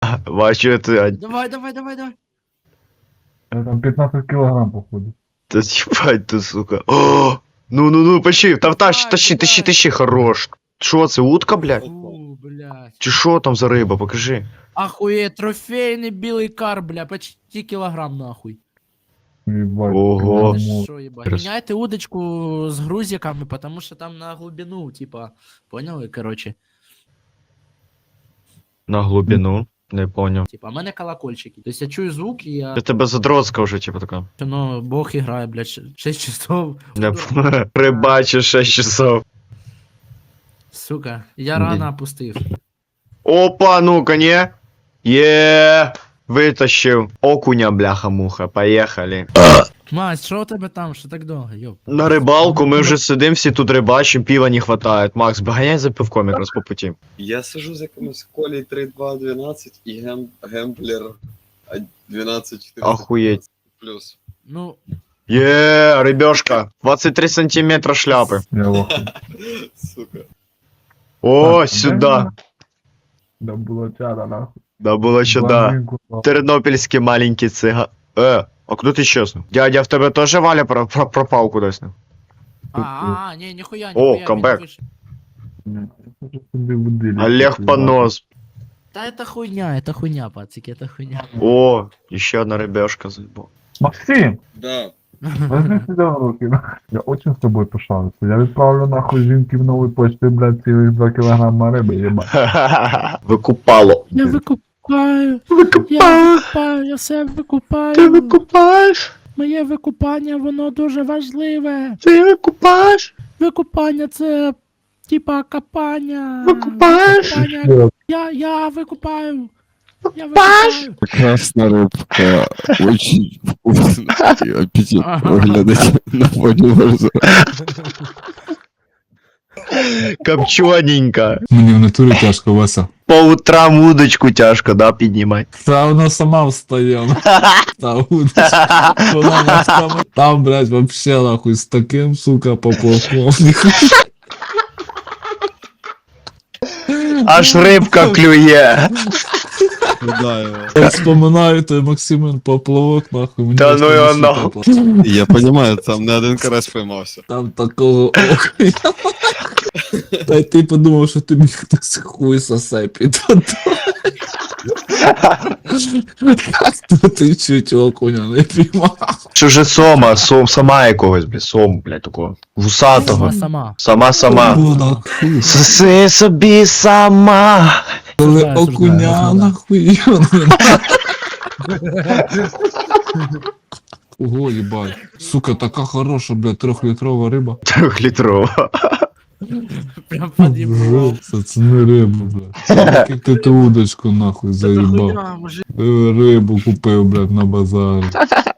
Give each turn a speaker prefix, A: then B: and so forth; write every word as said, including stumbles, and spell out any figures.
A: Бачу, это...
B: Давай, давай, давай, давай.
C: Это там пятнадцать килограмм, походу.
A: Да ебать ты, сука. О! Ну-ну-ну, почти. Там тащи,
B: Давай,
A: тащи,
B: давай.
A: тащи, тащи, хорош. Шо це, утка, блядь?
B: Фу, блядь.
A: Чи що там за риба, покажи.
B: Ахуе, трофейный белый кар, бля, почти килограмм нахуй.
C: Ебать.
A: Ого.
B: Ты
C: килограмм.
B: шо, ебать?
A: Крас-
B: Меняйте удочку с грузиками, потому что там на глубину, типа, понял, короче.
A: На глибину. Не понял.
B: Типа, а мене колокольчики. То есть я чую звук, и я...
A: Я тебе задротська вже, типу, така.
B: Ну, бог играет, блядь, шесть часов.
A: Не прибачиш шесть часов.
B: Сука, я
A: Ні.
B: рано опустив.
A: Опа, ну-ка, не. Є, витащив. Окуня, бляха-муха, поїхали.
B: Мать, що у тебе там? Що так довго? Йоп.
A: На рибалку, ми вже сидим, всі тут рибачим, пива не хватает. Макс, баганяй за пивком якраз по путі.
D: Я сижу з якимось Колей три два дванадцять і гем... гемблер дванадцять чотирнадцять
A: Охуєть.
D: плюс.
B: Ну,
A: Є, рибешка. двадцять три сантиметра шляпи.
C: Я лоху.
D: Сука.
A: О,
C: Так,
A: сюда.
C: Да было чада, нахуй.
A: Да було що да.
C: Блондинку, нахуй.
A: Тернопільський маленький цига. Е, а куди ти чесно? Дядя, в тебе теж Валя про- про- пропав кудись? не?
B: а, а, не, ніхуя,
A: О,
B: ніхуя.
A: камбек.
B: він вийшов.
C: Ні, я хочу собі будильник
A: Олег
C: купити,
A: Понос.
B: Та это хуйня, это хуйня, пацики, это хуйня.
A: О, ще одна рибешка заїбав.
C: Максим,
D: Да.
C: возьми себя в руки, нахуй. Я очень с тобой пишаюся. Я відправлю нахуй жінки в новій почті, блядь, цілих два кілограма риби, єбать.
A: Викупало.
B: Я викупаю, я
A: Викупаю.
B: викупаю, я все викупаю.
A: Ти викупаєш?
B: Моє викупання, воно дуже важливе.
A: Ти викупаєш?
B: Викупання це типа копання.
A: Викупаєш?
B: Викупання. Я, я викупаю. Я викупаю.
E: Прекрасная рыбка, очень вкусно и аппетитно выглядит на фоне глаза.
A: Копчоненько.
F: Мені в натурі тяжко, Вася.
A: По утрам удочку тяжко, да, піднімати.
F: Та вона сама встає. Та удочка. Вона на сама- Там, блядь, вообще нахуй з таким, сука, поплавком.
A: Аж рибка клює.
E: Да, его.
F: Я вспоминаю той Максимен поплавок, нахуй. мені
A: Та
F: аж
A: ну його
F: на
A: нахуй.
F: душі тепло.
E: Я понимаю, там не один карась поймався.
F: Там такого окуня. Та й ти подумав, що тобі хтось хуй сосе під водою. Та ти чуть окуня не піймав.
A: Що же сома, сом, сама якогось, блядь, сом, блядь, такого. Вусатого.
B: Сама, сама.
A: Сама-сама.
F: О, нахуй.
A: Соси собі сама.
F: Коли
B: Осуждаю,
F: окуня
B: осуждаю.
F: нахуй. Ого, ебать. Сука, така хороша, блядь, трьохлітрова риба.
A: Трьохлітрова.
B: Прям подъебал.
F: Це, це не риба, блядь. Як ти ту удочку нахуй
B: Это
F: заїбав.
B: хуйня, мужик.
F: Е, Рибу купив, блядь, на базарі.